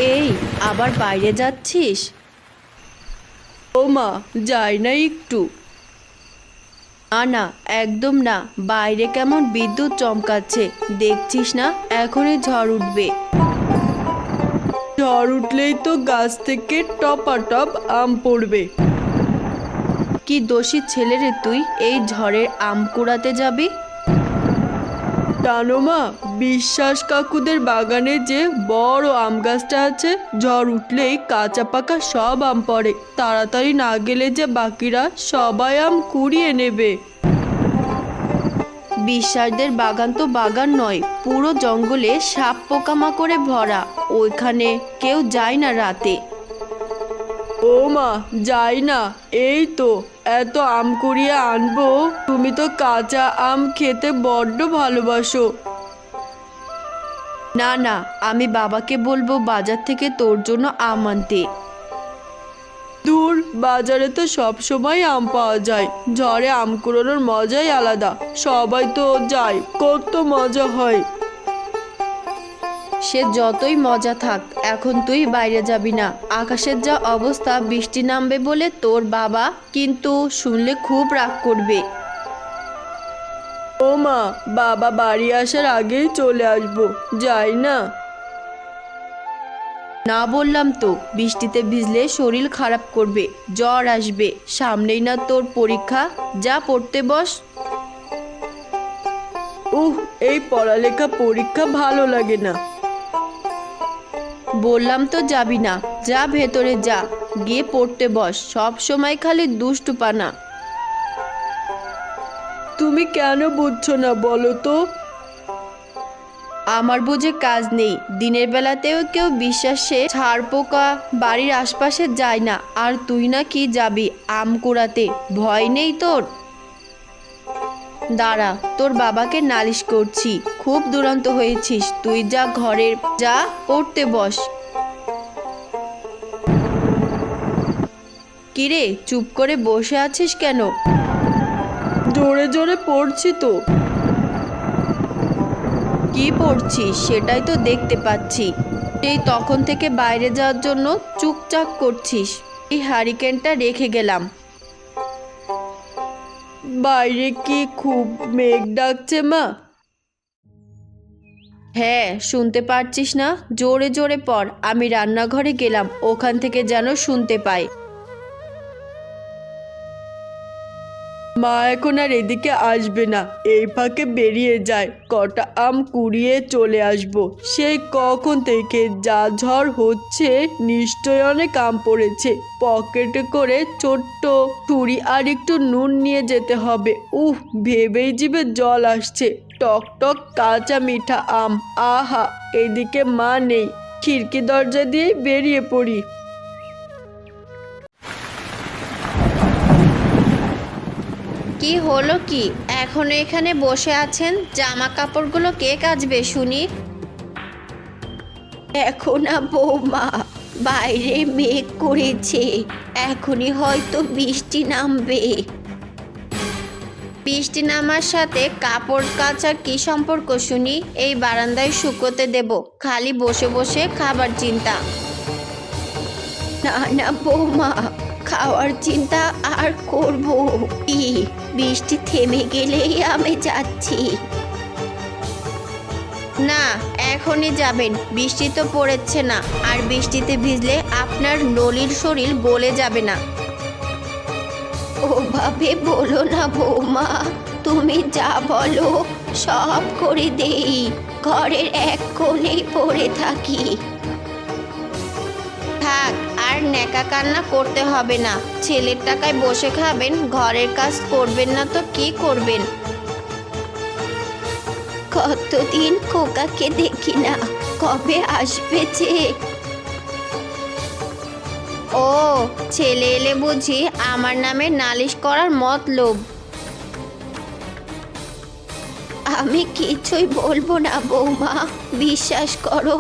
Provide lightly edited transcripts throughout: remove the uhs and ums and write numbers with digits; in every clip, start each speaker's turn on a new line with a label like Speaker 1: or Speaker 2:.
Speaker 1: এই, আবার বাইরে যাচ্ছিস?
Speaker 2: ও মা, যাই না একটু?
Speaker 1: না না, একদম না। বাইরে কেমন বিদ্যুৎ চমকাচ্ছে, দেখছিস না? এখনই ঝড় উঠবে।
Speaker 2: ঝড় উঠলেই তো গাছ থেকে টপাটপ আম পড়বে।
Speaker 1: কি দোষী ছেলে রে তুই, এই ঝড়ের আম কুড়াতে যাবি?
Speaker 2: জানো মা, বিশ্বাস কাকুদের বাগানে যে বড় আম গাছটা আছে, ঝড় উঠলেই কাঁচা পাকা সব আম পড়ে। তাড়াতাড়ি না গেলে যে বাকিরা সবাই আম কুড়িয়ে নেবে।
Speaker 1: বিশ্বাসদের বাগান তো বাগান নয়, পুরো জঙ্গলে সাপ পোকামাকড়ে ভরা। ওইখানে কেউ যায় না রাতে।
Speaker 2: ও মা, যাই না। এই তো এত আম কুড়িয়ে আনবো। তুমি তো কাঁচা আম খেতে বড্ড ভালোবাসো।
Speaker 1: না না, আমি বাবাকে বলবো বাজার থেকে তোর জন্য আম আনতে।
Speaker 2: দূর, বাজারে তো সব সময় আম পাওয়া যায়। ঝড়ে আম কুড়োনোর মজাই আলাদা। সবাই তো যায়, কত মজা হয়।
Speaker 1: সে যতই মজা থাক, এখন তুই বাইরে যাবি না। আকাশের যা অবস্থা, বৃষ্টি নামবে বলে তোর বাবা কিন্তু শুনলে খুব রাগ করবে।
Speaker 2: ও মা, বাবা বাড়ি আসার আগেই চলে আসবো। যাই না?
Speaker 1: না বললাম তো, বৃষ্টিতে ভিজলে শরীর খারাপ করবে, জ্বর আসবে। সামনেই না তোর পরীক্ষা, যা পড়তে বস।
Speaker 2: উহ, এই পড়ালেখা পরীক্ষা ভালো লাগে না।
Speaker 1: বললাম তো যাবি না, যা ভেতরে যা, গিয়ে পড়তে বস। সব সময় খালি দুষ্টুপানা।
Speaker 2: তুমি কেন বুঝছো না বলো তো?
Speaker 1: আমার বুঝে কাজ নেই। দিনের বেলাতেও কেউ বিশ্বাসে ছাড় পোকা বাড়ির আশপাশে যায় না, আর তুই না কি যাবি আম কুড়াতে? ভয় নেই তোর? দাঁড়া, তোর বাবাকে নালিশ করছি। খুব দুরন্ত হয়েছিস তুই, যা ঘরের যা, পড়তে বস। কিরে, চুপ করে বসে আছিস কেন?
Speaker 2: জোরে জোরে পড়ছি তো।
Speaker 1: কি পড়ছিস সেটাই তো দেখতে পাচ্ছি। সেই তখন থেকে বাইরে যাওয়ার জন্য চুপচাপ করছিস। এই হারিকেনটা রেখে গেলাম।
Speaker 2: বাইরে কি খুব মেঘ ডাকছে মা?
Speaker 1: হ্যাঁ, শুনতে পারছিস না? জোরে জোরে পড়। আমি রান্নাঘরে গেলাম, ওখান থেকে যেন শুনতে পাই।
Speaker 2: মা এখন আর এদিকে আসবে না। এই ফাঁকে বেরিয়ে যায়, কটা আম কুড়িয়ে চলে আসবো। সেই কখন থেকে যা ঝড় হচ্ছে, নিশ্চয় অনেক আম পড়েছে। পকেটে করে ছোট্ট ছুরি আর একটু নুন নিয়ে যেতে হবে। উহ, ভেবেই জিভে জল আসছে। টক টক কাঁচা মিঠা আম, আহা! এদিকে মা নেই, খিড়কি দরজা দিয়ে বেরিয়ে পড়ি।
Speaker 1: কি হলো কি, এখনো এখানে বসে আছেন? জামা কাপড়গুলো কে কাচবে শুনি? এখন না বৌমা, বাইরে মেঘ করেছে, এখনই হয়তো বৃষ্টি নামবে। বৃষ্টি নামার সাথে কাপড় কাচার কি সম্পর্ক শুনি? এই বারান্দায় শুকোতে দেব, খালি বসে বসে খাবার চিন্তা। না না বৌমা, খাওয়ার চিন্তা আর করব কি? বৃষ্টি থেমে গেলেই আমি যাচ্ছি। না, এখনই যাবেন? বৃষ্টি তো পড়েছে না, আর বৃষ্টিতে ভিজলে আপনার নলির শরীর গলে যাবে না। ওভাবে বলো না বৌমা, তুমি যা বলো সব করে দেই। ঘরের এক কোণেই পড়ে থাকি। থাক, আর ন্যাকা কান্না করতে হবে না। ছেলের টাকায় বসে খাবেন, ঘরের কাজ করবেন না তো কি করবেন? কতদিন খোকাকে দেখি না, কবে আসবে যে? ও, ছেলে এলে বুঝি আমার নামে নালিশ করার মতলব? আমি কিছুই বলবো না বৌমা, বিশ্বাস করো।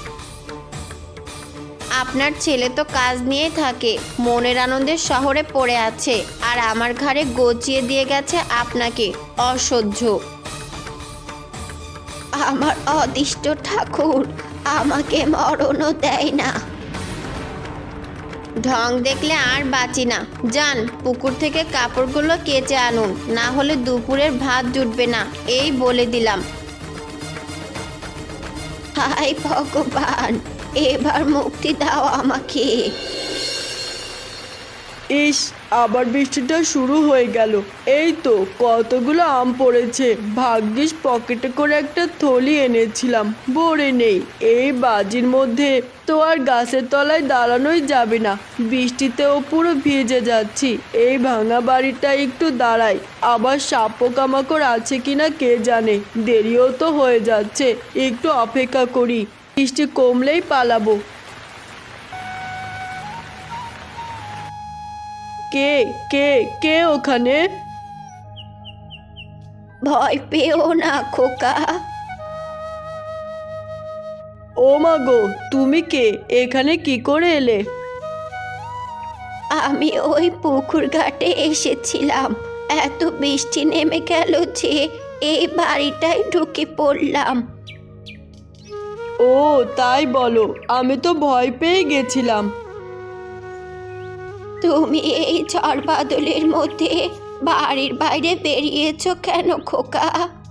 Speaker 1: আপনার ছেলে তো কাজ নিয়ে থাকে, মনের আনন্দে শহরে পড়ে আছে, আর আমার ঘরে গচিয়ে দিয়ে গেছে আপনাকে। অসহ্য! আমার অদিষ্ট ঠাকুর, আমাকে মরণও দেয় না। ঢং দেখলে আর বাঁচি না। যান, পুকুর থেকে কাপড়গুলো কেচে আনুন, না হলে দুপুরের ভাত জুটবে না, এই বলে দিলাম। হায় ভগবান, এবার মুক্তি দাও আমাকে।
Speaker 2: ইস, আবার বৃষ্টিটা শুরু হয়ে গেল। এই তো কতগুলো আম পড়েছে, ভাগ্যিস পকেটে করে একটা থলি এনেছিলাম, ভরে নেই। এই বাজির মধ্যে তো আর গাছের তলায় দাঁড়ানোই যাবে না, বৃষ্টিতেও পুরো ভিজে যাচ্ছি। এই ভাঙা বাড়িটা একটু দাঁড়াই, আবার সাপ পোকামাকড় আছে কিনা কে জানে। দেরিও তো হয়ে যাচ্ছে, একটু অপেক্ষা করি, বৃষ্টি কমলেই পালাবো। কে কে কে ওখানে?
Speaker 1: ভয় পেও না খোকা।
Speaker 2: ও মা গো, তুমি কে? এখানে কি করে এলে?
Speaker 1: আমি ওই পুকুর ঘাটে এসেছিলাম, এত বৃষ্টি নেমে গেল যে এই বাড়িটায় ঢুকে পড়লাম।
Speaker 2: ও তাই বলো, আমি তো ভয় পেয়ে গেছিলাম।
Speaker 1: তুমি এই ঝড় বাদলের মধ্যে বাড়ির বাইরে বেরিয়েছো কেন খোকা?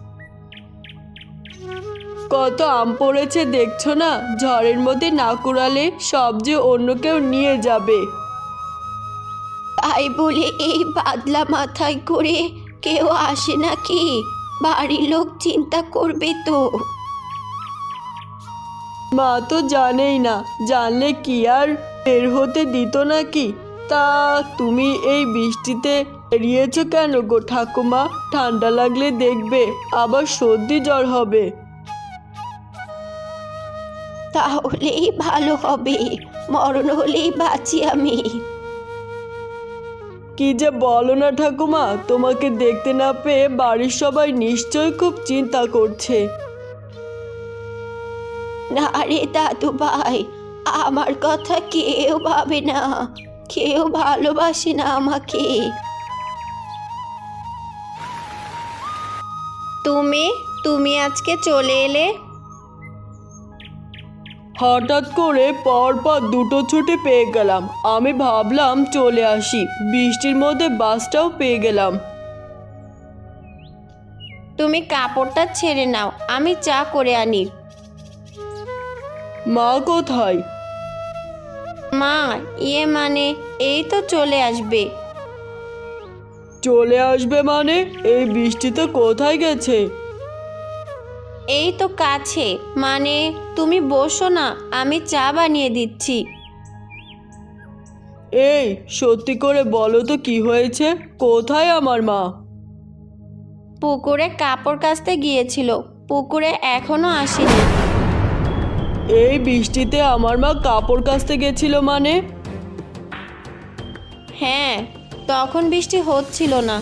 Speaker 2: কত আম পড়েছে দেখছো না, ঝড়ের মধ্যে না কুড়ালে সব যে অন্য কেউ নিয়ে যাবে।
Speaker 1: তাই বলে এই বাদলা মাথায় করে কেউ আসে নাকি? বাড়ির লোক চিন্তা করবে তো।
Speaker 2: মা তো জানেই না, জানলে কি আর বের হতে দিত নাকি? তা তুমি এই বৃষ্টিতে বেরিয়েছো কেন গো ঠাকুমা? ঠান্ডা লাগলে দেখবে আবার সর্দি জ্বর হবে।
Speaker 1: তাহলেই ভালো হবে, মরণ হলেই বাঁচি আমি।
Speaker 2: কি যে বলো না ঠাকুমা, তোমাকে দেখতে না পেয়ে বাড়ির সবাই নিশ্চয়ই খুব চিন্তা করছে।
Speaker 1: না রে দাদু ভাই, আমার কথা কেউ ভাবে না, কেউ ভালোবাসে না আমাকে। তুমি তুমি আজকে চলে এলে?
Speaker 2: হঠাৎ করে পরপর দুটো ছুটি পেয়ে গেলাম, আমি ভাবলাম চলে আসি, বৃষ্টির মধ্যে বাসটাও পেয়ে গেলাম।
Speaker 1: তুমি কাপড়টা ছেড়ে নাও, আমি চা করে আনি।
Speaker 2: মা কোথায়?
Speaker 1: মা, মানে এই তো চলে আসবে।
Speaker 2: চলে আসবে মানে? এই বৃষ্টিতে কোথায় গেছে?
Speaker 1: এই তো কাছে, মানে তুমি বসো না, আমি চা বানিয়ে দিচ্ছি।
Speaker 2: এই সত্যি করে বলো তো কি হয়েছে, কোথায় আমার মা?
Speaker 1: পুকুরে কাপড় কাচতে গিয়েছিল, পুকুরে এখনো আসেনি।
Speaker 2: এই বৃষ্টিতে আমার মা কাপড় কাচতে গেছিল মানে?
Speaker 1: হ্যাঁ, তখন বৃষ্টি হচ্ছিল না।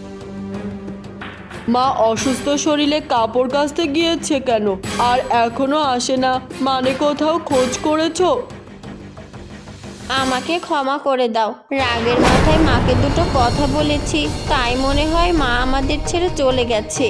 Speaker 2: মা অসুস্থ শরীরে কাপড় কাচতে গিয়েছে কেন, আর এখনো আসে না মানে? কোথাও খোঁজ করেছো?
Speaker 1: আমাকে ক্ষমা করে দাও, রাগের মাথায় মাকে দুটো কথা বলেছি, তাই মনে হয় মা আমাদের ছেড়ে চলে গেছে।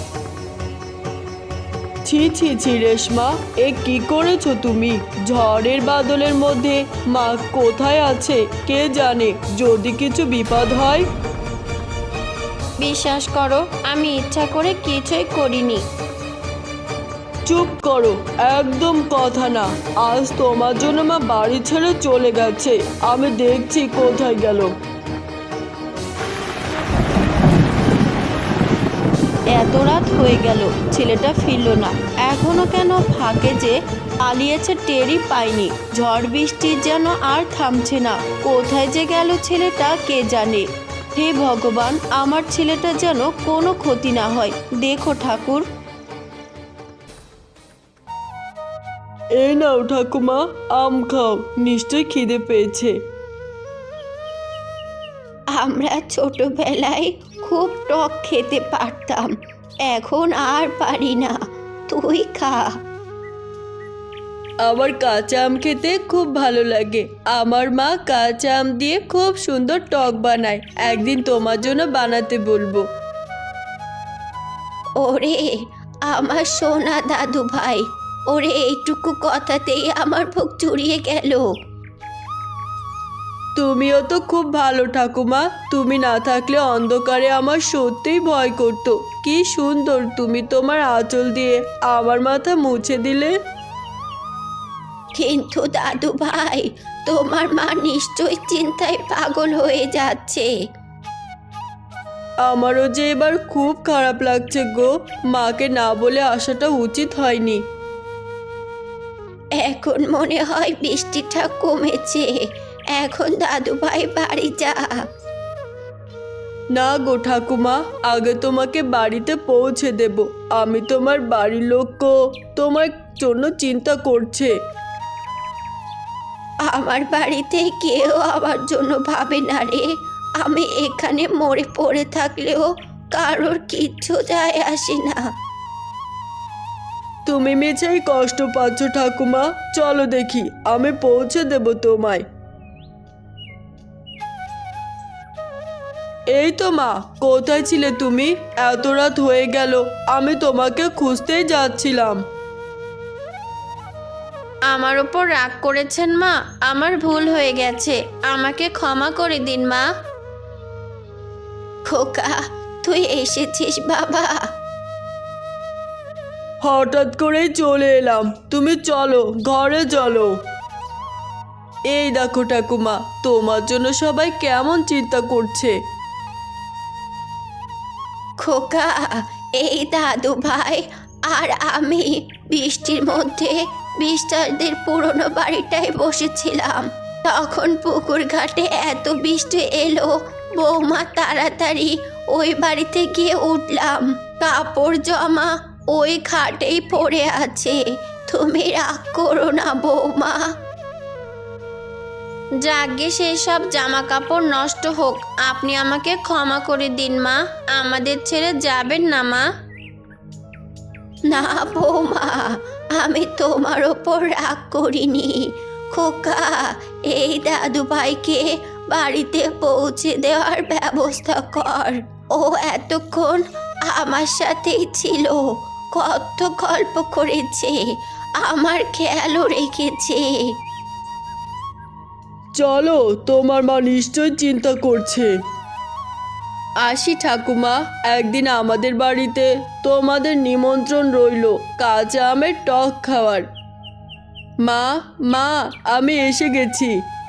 Speaker 2: ছি ছি ছি রেশমা, এ কি করেছো তুমি? ঝড়ের বাদলের মধ্যে মা কোথায় আছে কে জানে, যদি কিছু বিপদ হয়।
Speaker 1: বিশ্বাস করো, আমি ইচ্ছা করে কিছুই করিনি।
Speaker 2: চুপ করো, একদম কথা না। আজ তোমার জন্য মা বাড়ি ছেড়ে চলে গেছে, আমি দেখছি কোথায় গেল।
Speaker 1: এত রাত হয়ে গেল, ছেলেটা ফিরল না, এখনো কেন ফাঁকে যে পালিয়েছে টেরই পাইনি। ঝড় বৃষ্টি যেন আর থামছে না, কোথায় যে গেল ছেলেটা কে জানে। হে ভগবান, আমার ছেলেটা যেন কোনো ক্ষতি না হয়, দেখো ঠাকুর।
Speaker 2: এই নাও ঠাকুমা, আম খাও, নিশ্চয়ই খিদে পেয়েছে।
Speaker 1: আমরা ছোটবেলায় খুব টক খেতে পারতাম, এখন আর পারি না, তুই খা।
Speaker 2: আমার কাঁচা আম খেতে খুব ভালো লাগে, আমার মা কাঁচা আম দিয়ে খুব সুন্দর টক বানায়, একদিন তোমার জন্য বানাতে বলবো।
Speaker 1: ওরে আমার সোনা দাদু ভাই, ওরে এইটুকু কথাতেই আমার বুক জুড়িয়ে গেল।
Speaker 2: তুমিও তো খুব ভালো ঠাকুমা। তুমি না থাকলে অন্ধকারে আমার সত্যিই ভয় করতো। কি সুন্দর তুমি তোমার আঁচল দিয়ে আমার মাথা মুছে দিলে।
Speaker 1: কিন্তু দাদু ভাই, তোমার মা নিশ্চয়ই চিন্তায় পাগল হয়ে যাচ্ছে।
Speaker 2: আমারও যে এবার খুব খারাপ লাগছে গো। মাকে না বলে আসাটা উচিত হয়নি।
Speaker 1: এখন মনে হয় বৃষ্টিটা কমেছে। এখন দাদু ভাই বাড়ি যা।
Speaker 2: না গো ঠাকুমা, আগে তোমাকে বাড়িতে পৌঁছে দেব। আমি তোমার বাড়ির লোকও তোমার জন্য চিন্তা করছে।
Speaker 1: আমার বাড়িতে কেউ আমার জন্য ভাবে না রে। আমি এখানে মরে পড়ে থাকলেও কারোর কিচ্ছু যায় আসে না।
Speaker 2: তুমি মেঝেই কষ্ট পাচ্ছ ঠাকুমা। চলো দেখি, আমি পৌঁছে দেব তোমায়। এই তো মা, কোথায় ছিলে তুমি? এত রাত হয়ে গেল, আমি তোমাকে খুঁজতেই যাচ্ছিলাম।
Speaker 1: আমার ওপর রাগ করেছেন মা? আমার ভুল হয়ে গেছে, আমাকে ক্ষমা করে দিন মা। খোকা, তুই এসেছিস বাবা?
Speaker 2: হঠাৎ করেই চলে এলাম। তুমি চলো, ঘরে চলো। এই দেখো ঠাকুমা, তোমার জন্য সবাই কেমন চিন্তা করছে।
Speaker 1: খোকা, এই দাদু ভাই আর আমি বৃষ্টির মধ্যে বিস্তারদের পুরনো বাড়িটায় বসেছিলাম। তখন পুকুর ঘাটে এত বৃষ্টি এলো, বৌমা তাড়াতাড়ি ওই বাড়িতে গিয়ে উঠলাম। কাপড় জমা ওই খাটেই পড়ে আছে। তুমি রাগ করো না বৌমা। যাগে সেসব জামা কাপড় নষ্ট হোক, আপনি আমাকে ক্ষমা করে দিন মা। আমাদের ছেড়ে যাবেন না মা। না বৌমা, আমি তোমার ওপর রাগ করিনি। খোকা, এই দাদু ভাইকে বাড়িতে পৌঁছে দেওয়ার ব্যবস্থা কর। ও এতক্ষণ আমার সাথেই ছিল, কত গল্প করেছে, আমার খেয়ালও রেখেছে।
Speaker 2: চলো, তোমার মা নিশ্চয় চিন্তা করছে। আসি ঠাকুমা, একদিন আমাদের বাড়িতে তোমাদের নিমন্ত্রণ রইল কাঁচা আমের টক খাওয়ার। মা, মা, আমি এসে গেছি।